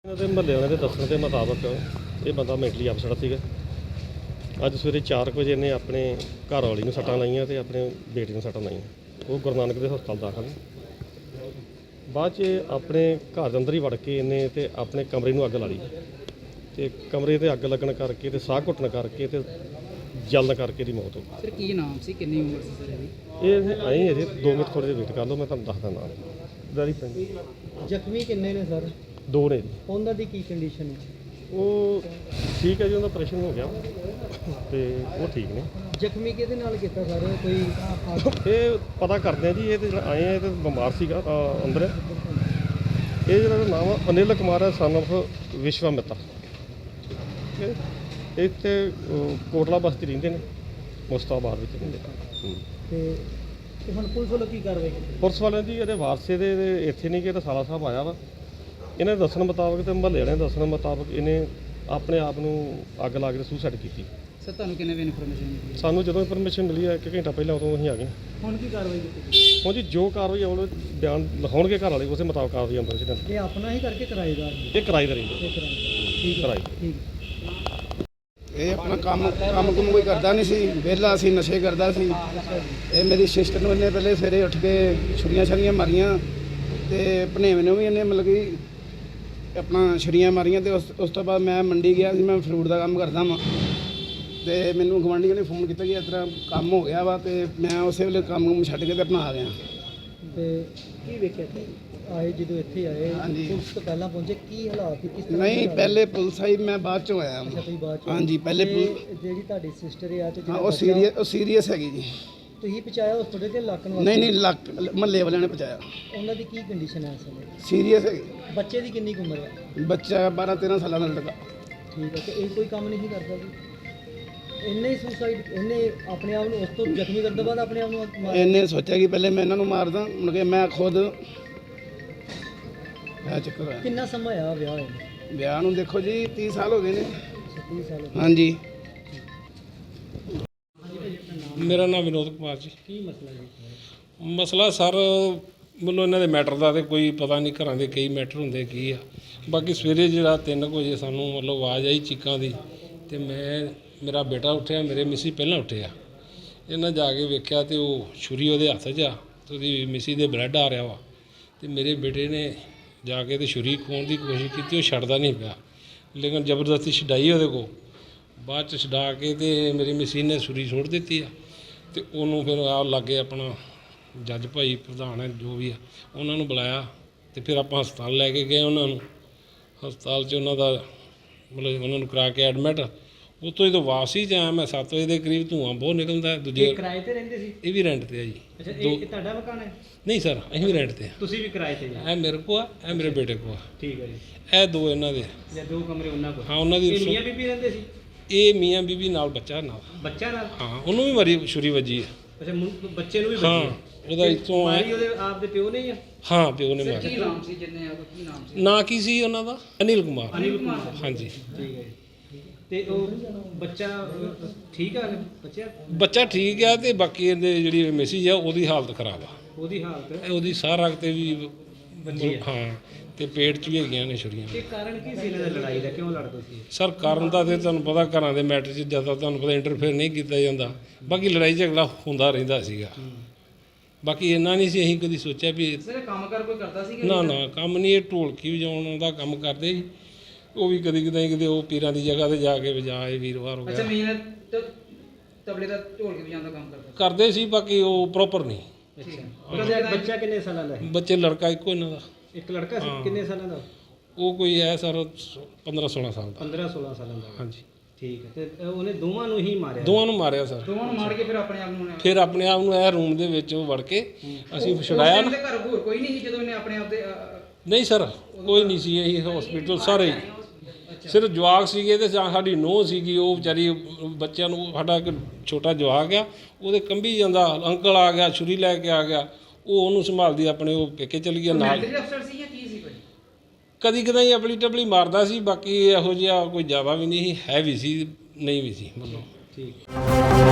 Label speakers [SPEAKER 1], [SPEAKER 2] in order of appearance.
[SPEAKER 1] ਇਹਨਾਂ ਦੇ ਮੁਹੱਲੇ ਵਾਲਿਆਂ ਦੇ ਦੱਸਣ ਦੇ ਮੁਤਾਬਕ ਇਹ ਬੰਦਾ ਮੈਂਟਲੀ ਅਪਸੈਟ ਸੀਗਾ। ਅੱਜ ਸਵੇਰੇ 4 ਵਜੇ ਇਹਨੇ ਆਪਣੇ ਘਰ ਵਾਲੀ ਨੂੰ ਸੱਟਾਂ ਲਾਈਆਂ ਤੇ ਆਪਣੇ ਬੇਟੀ ਨੂੰ ਸੱਟਾਂ ਲਾਈਆਂ। ਉਹ ਗੁਰੂ ਨਾਨਕ ਦੇ ਹਸਪਤਾਲ ਦਾਖਲ ਨੇ। ਬਾਅਦ 'ਚ ਆਪਣੇ ਘਰ ਦੇ ਅੰਦਰ ਹੀ ਵੜ ਕੇ ਇਹਨੇ ਤੇ ਆਪਣੇ ਕਮਰੇ ਨੂੰ ਅੱਗ ਲਾ ਲਈ ਤੇ ਕਮਰੇ ਤੇ ਅੱਗ ਲੱਗਣ ਕਰਕੇ ਤੇ ਸਾਹ ਘੁੱਟਣ ਕਰਕੇ ਤੇ ਜਲਣ ਕਰਕੇ ਦੀ ਮੌਤ ਹੋ ਗਈ।
[SPEAKER 2] ਸਰ ਕੀ ਨਾਮ ਸੀ, ਕਿੰਨੀ ਉਮਰ ਸੀ ਸਰ ਇਹਦੀ?
[SPEAKER 1] ਇਹ ਆਏ ਅਜੇ 2 ਮਿੰਟ ਥੋੜ੍ਹੇ ਜਿਹੇ ਵੇਟ ਕਰ ਲਓ, ਮੈਂ ਤੁਹਾਨੂੰ ਦੱਸਦਾ ਨਾਮ। ਦਰੀ ਪਿੰਡ
[SPEAKER 3] ਜ਼ਖਮੀ ਕਿੰਨੇ ਨੇ ਸਰ?
[SPEAKER 1] 2 ਨੇ ਜੀ।
[SPEAKER 3] ਉਹਨਾਂ ਦੀ ਕੀ ਕੰਡੀਸ਼ਨ ਹੈ?
[SPEAKER 1] ਉਹ ਠੀਕ ਹੈ ਜੀ, ਉਹਦਾ ਆਪਰੇਸ਼ਨ ਹੋ ਗਿਆ ਤੇ ਉਹ ਠੀਕ ਨੇ।
[SPEAKER 3] ਜ਼ਖਮੀ ਕਿਹਦੇ ਨਾਲ ਕੀਤਾ ਸਰ? ਕੋਈ
[SPEAKER 1] ਇਹ ਪਤਾ ਕਰਦੇ ਆ ਜੀ। ਇਹ ਤੇ ਜਿਹੜਾ ਆਏ ਆ ਇਹ ਤੇ ਬਿਮਾਰ ਸੀਗਾ ਅੰਦਰ। ਇਹ ਜਿਹੜਾ ਨਾਮ ਆ ਅਨਿਲ ਕੁਮਾਰ ਹੈ, ਸਨ ਆਫ ਵਿਸ਼ਵਾਮਿੱਤਰ। ਇਹ ਇੱਥੇ ਕੋਟਲਾ ਬਸਤੀ ਰਹਿੰਦੇ ਨੇ, ਮੁਸਤਾਬਾਦ ਵਿੱਚ ਰਹਿੰਦੇ।
[SPEAKER 3] ਤੇ ਹੁਣ ਪੁਲਿਸ ਵੱਲੋਂ ਕੀ ਕਾਰਵਾਈ ਕੀਤੀ?
[SPEAKER 1] ਪੁਲਿਸ ਵਾਲਿਆਂ ਦੀ ਇਹਦੇ ਵਾਰਸੇ ਦੇ ਇੱਥੇ ਨਹੀਂ ਕਿ ਇਹਦਾ ਸਾਲਾ ਸਾਹਿਬ ਆਇਆ ਵਾ। ਇਹਨਾਂ ਦੇ ਦੱਸਣ ਮੁਤਾਬਕ ਤੇ ਮੁਹੱਲੇ ਵਾਲਿਆਂ ਦੇ ਦੱਸਣ ਮੁਤਾਬਕ ਇਹਨੇ ਆਪਣੇ ਆਪ ਨੂੰ ਅੱਗ ਲਾ ਕੇ ਸੁਸਾਈਡ ਕੀਤੀ।
[SPEAKER 2] ਸਰ ਤੁਹਾਨੂੰ ਕਿੰਨੇ ਵਜੇ ਇਨਫੋਰਮੇਸ਼ਨ ਮਿਲੀ?
[SPEAKER 1] ਸਾਨੂੰ ਜਦੋਂ ਇਨਫੋਰਮੇਸ਼ਨ ਮਿਲੀ ਹੈ 1 ਘੰਟਾ ਪਹਿਲਾਂ, ਉਦੋਂ ਅਸੀਂ ਆ ਗਏ।
[SPEAKER 3] ਹੁਣ ਕੀ ਕਾਰਵਾਈ ਕੀਤੀ?
[SPEAKER 1] ਹੁਣ ਜੀ ਜੋ ਕਾਰਵਾਈ ਉਹ ਬਿਆਨ ਲਿਖਾਉਣਗੇ ਘਰ ਵਾਲੇ, ਉਸੇ ਮੁਤਾਬਕ ਕਾਰਵਾਈ ਅੰਦਰ ਸੀ।
[SPEAKER 3] ਇਹ ਆਪਣਾ ਹੀ ਕਰਕੇ ਕਿਰਾਏਦਾਰ ਨੇ?
[SPEAKER 1] ਇਹ ਕਿਰਾਏ ਦਾ ਰਹਿੰਦੇ।
[SPEAKER 3] ਇਹ ਕਿਰਾਏਦਾਰ। ਠੀਕ ਹੈ, ਠੀਕ।
[SPEAKER 4] ਇਹ ਆਪਣਾ ਕੰਮ ਕੋਈ ਕਰਦਾ ਨਹੀਂ ਸੀ, ਵਿਹਲਾ ਸੀ, ਨਸ਼ੇ ਕਰਦਾ ਸੀ। ਇਹ ਮੇਰੀ ਸਿਸਟਰ ਨੂੰ ਇਹਨੇ ਪਹਿਲੇ ਸਵੇਰੇ ਉੱਠ ਕੇ ਛੁਰੀਆਂ ਮਾਰੀਆਂ ਤੇ ਭਣੇਵੇਂ ਨੂੰ ਵੀ ਇਹਨੇ ਮਤਲਬ ਕਿ ਆਪਣਾ ਛੁਰੀਆਂ ਮਾਰੀਆਂ। ਤੇ ਉਸ ਤੋਂ ਬਾਅਦ ਮੈਂ ਮੰਡੀ ਗਿਆ ਸੀ, ਮੈਂ ਫਰੂਟ ਦਾ ਕੰਮ ਕਰਦਾ ਵਾਂ ਤੇ ਮੈਨੂੰ ਗੁਆਂਢੀਆਂ ਨੇ ਫੋਨ ਕੀਤਾ ਕਿ ਇਸ ਤਰ੍ਹਾਂ ਕੰਮ ਹੋ ਗਿਆ ਵਾ ਤੇ ਮੈਂ ਉਸੇ ਵੇਲੇ ਕੰਮ ਛੱਡ ਕੇ ਤੇ ਆਪਣਾ ਆ ਗਿਆ।
[SPEAKER 3] ਤੇ ਕੀ ਵੇਖਿਆ ਕਿ ਆਏ ਜਦੋਂ ਇੱਥੇ ਆਏ
[SPEAKER 4] ਹਾਂਜੀ।
[SPEAKER 3] ਪੁਲਿਸ ਤੋਂ ਪਹਿਲਾਂ ਪਹੁੰਚੇ, ਕੀ ਹਾਲਾਤ ਸੀ, ਕਿਸ ਤਰ੍ਹਾਂ?
[SPEAKER 4] ਨਹੀਂ, ਪਹਿਲੇ ਪੁਲਿਸ ਆਈ, ਮੈਂ ਬਾਅਦ ਚੋਂ ਆਇਆ।
[SPEAKER 3] ਅੱਛਾ, ਤੁਸੀਂ ਬਾਅਦ ਚ?
[SPEAKER 4] ਹਾਂਜੀ, ਪਹਿਲੇ
[SPEAKER 3] ਜਿਹੜੀ ਤੁਹਾਡੀ ਸਿਸਟਰ ਆ ਤੇ
[SPEAKER 4] ਉਹ ਸੀਰੀਅਸ ਹੈਗੀ ਜੀ।
[SPEAKER 3] ਤੁਸੀਂ ਪਹੁੰਚਾਇਆ ਹਸਪਤਾਲ ਤੇ ਲੱਕਣ ਵਾਸਤੇ?
[SPEAKER 4] ਨਹੀਂ ਮਹੱਲੇ ਵਾਲਿਆਂ ਨੇ ਪਹੁੰਚਾਇਆ।
[SPEAKER 3] ਉਹਨਾਂ ਦੀ ਕੀ ਕੰਡੀਸ਼ਨ ਹੈ ਇਸ ਸਮੇਂ?
[SPEAKER 4] ਸੀਰੀਅਸ ਹੈਗੀ।
[SPEAKER 3] ਬੱਚੇ ਦੀ ਕਿੰਨੀ ਕੁ ਉਮਰ ਹੈ?
[SPEAKER 4] ਬੱਚਾ 12-13 ਸਾਲਾਂ ਦਾ ਲੜਕਾ।
[SPEAKER 3] ਠੀਕ ਹੈ। ਤੇ ਇਹ ਕੋਈ ਕੰਮ ਨਹੀਂ ਕਰਦਾ ਜੀ? ਇਹਨੇ ਹੀ ਸੁਸਾਈਡ, ਇਹਨੇ ਆਪਣੇ ਆਪ ਨੂੰ ਉਸ ਤੋਂ ਜ਼ਖਮੀ ਕਰਨ ਤੋਂ ਬਾਅਦ ਆਪਣੇ ਆਪ ਨੂੰ ਮਾਰ?
[SPEAKER 4] ਇਹਨੇ ਸੋਚਿਆ ਕਿ ਪਹਿਲੇ ਮੈਂ ਇਹਨਾਂ ਨੂੰ ਮਾਰਦਾ, ਮੁੜ ਕੇ ਮੈਂ ਖੁਦ ਚੱਕਰ ਹੋਇਆ।
[SPEAKER 3] ਕਿੰਨਾ ਸਮਾਂ ਆ ਵਿਆਹ ਹੋਏ ਨੂੰ?
[SPEAKER 4] ਵਿਆਹ ਨੂੰ ਦੇਖੋ ਜੀ 30 ਸਾਲ ਹੋ ਗਏ ਨੇ।
[SPEAKER 3] 30 ਸਾਲ?
[SPEAKER 4] ਹਾਂਜੀ।
[SPEAKER 5] ਮੇਰਾ ਨਾਮ ਵਿਨੋਦ ਕੁਮਾਰ ਜੀ।
[SPEAKER 3] ਕੀ ਮਸਲਾ ਜੀ?
[SPEAKER 5] ਮਸਲਾ ਸਰ ਮੈਨੂੰ ਇਹਨਾਂ ਦੇ ਮੈਟਰ ਦਾ ਤੇ ਕੋਈ ਪਤਾ ਨਹੀਂ, ਘਰਾਂ ਦੇ ਕਈ ਮੈਟਰ ਹੁੰਦੇ ਕੀ ਆ। ਬਾਕੀ ਸਵੇਰੇ ਜਿਹੜਾ 3 ਵਜੇ ਸਾਨੂੰ ਮਤਲਬ ਆਵਾਜ਼ ਆਈ ਚੀਕਾਂ ਦੀ ਤੇ ਮੇਰਾ ਬੇਟਾ ਉੱਠਿਆ, ਮੇਰੇ ਮਿਸੀ ਪਹਿਲਾਂ ਉੱਠਿਆ। ਇਹਨਾਂ ਜਾ ਕੇ ਵੇਖਿਆ ਤੇ ਉਹ ਛੁਰੀ ਉਹਦੇ ਹੱਥ 'ਚ ਆ ਤੇ ਉਹਦੀ ਮਿਸੀ ਦੇ ਬਲੱਡ ਆ ਰਿਹਾ ਵਾ। ਤੇ ਮੇਰੇ ਬੇਟੇ ਨੇ ਜਾ ਕੇ ਤੇ ਛੁਰੀ ਖੋਹਣ ਦੀ ਕੋਸ਼ਿਸ਼ ਕੀਤੀ, ਉਹ ਛੱਡਦਾ ਨਹੀਂ ਪਿਆ, ਲੇਕਿਨ ਜ਼ਬਰਦਸਤੀ ਛਡਾਈ ਉਹਦੇ ਕੋਲ। ਬਾਅਦ 'ਚ ਛਡਾ ਕੇ ਤੇ ਮੇਰੀ ਮਿਸੀ ਨੇ ਛੁਰੀ ਸੁੱਟ ਦਿੱਤੀ ਆ ਤੇ ਉਹਨੂੰ ਫਿਰ ਆ ਲਾਗੇ ਆਪਣਾ ਜੱਜ ਭਾਈ ਪ੍ਰਧਾਨ ਹੈ ਜੋ ਵੀ ਆ, ਉਹਨਾਂ ਨੂੰ ਬੁਲਾਇਆ ਤੇ ਫਿਰ ਆਪਾਂ ਹਸਪਤਾਲ ਲੈ ਕੇ ਗਏ ਉਹਨਾਂ ਨੂੰ। ਹਸਪਤਾਲ 'ਚ ਉਹਨਾਂ ਦਾ ਮਤਲਬ ਉਹਨਾਂ ਨੂੰ ਕਰਾ ਕੇ ਐਡਮਿਟ। ਉੱਥੋਂ ਜਦੋਂ ਵਾਪਸੀ 'ਚ ਆਇਆ ਮੈਂ 7 ਵਜੇ ਦੇ ਕਰੀਬ, ਧੂੰਆਂ ਬਹੁਤ ਨਿਕਲਦਾ। ਦੂਜੇ
[SPEAKER 3] ਕਿਰਾਏ ਤੇ ਰਹਿੰਦੇ ਸੀ?
[SPEAKER 5] ਇਹ ਵੀ ਰੈਂਟ 'ਤੇ ਆ ਜੀ।
[SPEAKER 3] ਅੱਛਾ, ਇਹ ਤੁਹਾਡਾ ਮਕਾਨ ਹੈ?
[SPEAKER 5] ਨਹੀਂ ਸਰ, ਅਸੀਂ ਵੀ ਰੈਂਟ 'ਤੇ ਆ।
[SPEAKER 3] ਤੁਸੀਂ ਵੀ ਕਿਰਾਏ ਤੇ?
[SPEAKER 5] ਇਹ ਮੇਰੇ ਕੋਲ ਆ, ਇਹ ਮੇਰੇ ਬੇਟੇ ਕੋਲ ਆ।
[SPEAKER 3] ਠੀਕ ਹੈ ਜੀ।
[SPEAKER 5] ਇਹ 2 ਇਹਨਾਂ ਦੇ।
[SPEAKER 3] ਜਾਂ 2 ਕਮਰੇ ਉਹਨਾਂ ਕੋਲ?
[SPEAKER 5] ਹਾਂ, ਉਹਨਾਂ ਦੀ।
[SPEAKER 3] ਇਹ ਮੀਆਂ ਬੀਬੀ ਰਹਿੰਦੇ ਸੀ?
[SPEAKER 5] ਇਹ ਮੀਆਂ ਬੀਬੀ ਨਾਲ ਬੱਚਾ ਨਾਲ।
[SPEAKER 3] ਬੱਚਾ ਨਾਲ?
[SPEAKER 5] ਹਾਂ, ਉਹਨੂੰ ਵੀ ਮਾਰੀ ਛੁਰੀ ਵੱਜੀ ਹੈ।
[SPEAKER 3] ਅੱਛਾ, ਬੱਚੇ ਨੂੰ ਵੀ ਵੱਜੀ?
[SPEAKER 5] ਹਾਂ, ਉਹਦਾ ਇੱਥੋਂ
[SPEAKER 3] ਮਾਰੀ ਉਹਦੇ ਆਪ ਦੇ ਪਿਓ ਨੇ?
[SPEAKER 5] ਹਾਂ, ਪਿਓ ਨੇ
[SPEAKER 2] ਕੀ
[SPEAKER 5] ਮਾਰੀ।
[SPEAKER 2] ਨਾਮ ਸੀ ਜਿੰਨੇ ਆ, ਕੀ ਨਾਮ ਸੀ?
[SPEAKER 5] ਨਾਂ ਕੀ ਸੀ ਉਹਨਾਂ ਦਾ? ਅਨਿਲ ਕੁਮਾਰ।
[SPEAKER 3] ਅਨਿਲ ਕੁਮਾਰ?
[SPEAKER 5] ਹਾਂਜੀ।
[SPEAKER 3] ਠੀਕ ਹੈ। ਤੇ ਉਹ ਬੱਚਾ ਠੀਕ ਆ?
[SPEAKER 5] ਬੱਚਾ ਠੀਕ ਆ ਤੇ ਬਾਕੀ ਇਹਦੇ ਜਿਹੜੀ ਮੈਸੇਜ ਆ ਉਹਦੀ ਹਾਲਤ ਖਰਾਬ ਆ।
[SPEAKER 3] ਉਹਦੀ ਹਾਲਤ?
[SPEAKER 5] ਉਹਦੀ ਸਾਹ ਰਗ ਤੇ ਵੀ
[SPEAKER 3] ਵੱਜੀ ਆ?
[SPEAKER 5] ਹਾਂ, ਤੇ ਪੇਟ 'ਚ ਵੀ ਹੈਗੀਆਂ ਨੇ ਛੁਰੀਆਂ।
[SPEAKER 3] ਇਹ ਕਾਰਨ ਕੀ ਸੀ ਇਹਨਾਂ ਦੀ ਲੜਾਈ ਦਾ? ਕਿਉਂ ਲੜਦੇ ਸੀ?
[SPEAKER 5] ਸਰ ਕਾਰਨ ਤਾਂ ਤੇ ਤੁਹਾਨੂੰ ਪਤਾ, ਘਰਾਂ ਦੇ ਮੈਟਰ 'ਚ ਜ਼ਿਆਦਾ ਤੁਹਾਨੂੰ ਪਤਾ ਇੰਟਰਫੇਅਰ ਨਹੀਂ ਕੀਤਾ ਜਾਂਦਾ। ਬਾਕੀ ਲੜਾਈ ਝਗੜਾ ਹੁੰਦਾ ਰਹਿੰਦਾ ਸੀਗਾ। ਬਾਕੀ ਇੰਨਾ ਨਹੀਂ ਸੀ ਅਸੀਂ ਕਦੀ ਸੋਚਿਆ ਵੀ।
[SPEAKER 2] ਸਰ ਇਹ ਕੰਮ ਕਰ ਕੋਈ ਕਰਦਾ ਸੀ ਕਿ
[SPEAKER 5] ਨਾ ਕੰਮ ਨਹੀਂ। ਇਹ ਢੋਲਕੀ ਵਜਾਉਣ ਦਾ ਕੰਮ ਕਰਦੇ ਸੀ। ਉਹ ਵੀ ਕਦੀ ਕਿਤੇ ਉਹ ਪੀਰਾਂ ਦੀ ਜਗ੍ਹਾ ਤੇ ਜਾ ਕੇ ਵਜਾਏ, ਵੀਰਵਾਰ ਹੋ
[SPEAKER 2] ਅੱਛਾ,
[SPEAKER 5] ਗਿਆ।
[SPEAKER 2] ਮੀਨ ਤਬਲੇ ਦਾ ਢੋਲ ਕੇ ਵਜਾਉਣ ਦਾ ਕੰਮ ਕਰਦਾ
[SPEAKER 5] ਕਰਦੇ ਸੀ, ਬਾਕੀ ਉਹ ਪ੍ਰੋਪਰ ਨਹੀਂ।
[SPEAKER 3] ਅੱਛਾ। ਬੱਚਾ ਕਿੰਨੇ ਸਾਲਾਂ ਦਾ ਹੈ?
[SPEAKER 5] ਬੱਚੇ ਲੜਕਾ ਇੱਕੋ ਇਹਨਾਂ ਦਾ।
[SPEAKER 3] ਇੱਕ ਲੜਕਾ ਸੀ? ਕਿੰਨੇ ਸਾਲਾਂ ਦਾ?
[SPEAKER 5] ਉਹ ਕੋਈ ਹੈ ਸਰ 15-16 ਸਾਲ ਦਾ।
[SPEAKER 3] 15-16 ਸਾਲਾਂ ਦਾ?
[SPEAKER 5] ਹਾਂਜੀ।
[SPEAKER 3] ਠੀਕ ਹੈ। ਤੇ ਉਹਨੇ ਦੋਵਾਂ ਨੂੰ ਹੀ ਮਾਰਿਆ?
[SPEAKER 5] ਦੋਵਾਂ ਨੂੰ ਮਾਰਿਆ ਸਰ।
[SPEAKER 2] ਦੋਵਾਂ ਨੂੰ ਮਾਰ ਕੇ ਫਿਰ ਆਪਣੇ ਆਪ ਨੂੰ
[SPEAKER 5] ਫਿਰ ਆਪਣੇ ਆਪ ਨੂੰ ਇਹ ਰੂਮ ਦੇ ਵਿੱਚ ਵੜ ਕੇ ਅਸੀਂ ਛੁਡਾਇਆ ਨਾ।
[SPEAKER 2] ਘਰ ਹੋਰ ਕੋਈ ਨਹੀਂ ਸੀ ਜਦੋਂ ਇਹਨੇ ਆਪਣੇ ਆਪ ਦੇ
[SPEAKER 5] ਨਹੀਂ ਸਰ, ਕੋਈ ਨਹੀਂ ਸੀ। ਇਹੀ ਹਸਪੀਟਲ ਸਾਰੇ ਸਿਰਫ ਜਵਾਕ ਸੀਗੇ ਤੇ ਜਾਂ ਸਾਡੀ ਨੂੰਹ ਸੀਗੀ। ਉਹ ਵਿਚਾਰੀ ਬੱਚਿਆਂ ਨੂੰ, ਸਾਡਾ ਇੱਕ ਛੋਟਾ ਜਵਾਕ ਆ, ਉਹਦੇ ਕੰਬੀ ਜਾਂਦਾ, ਅੰਕਲ ਆ ਗਿਆ ਛੁਰੀ ਲੈ ਕੇ ਆ ਗਿਆ, ਉਹ ਉਹਨੂੰ ਸੰਭਾਲਦੀ ਆਪਣੇ ਉਹ ਪੇਕੇ ਚਲੀ ਗਿਆ ਨਾਲ।
[SPEAKER 2] ਅਫਸਰ ਸੀ ਜਾਂ ਕੀ ਸੀ ਕੋਈ?
[SPEAKER 5] ਕਦੀ ਕਦਾਈ ਆਪਣੀ ਟਪਲੀ ਮਾਰਦਾ ਸੀ, ਬਾਕੀ ਇਹੋ ਜਿਹਾ ਕੋਈ ਜ਼ਿਆਦਾ ਵੀ ਨਹੀਂ ਸੀ, ਹੈ ਵੀ ਸੀ ਨਹੀਂ ਵੀ ਸੀ ਮਤਲਬ।
[SPEAKER 3] ਠੀਕ।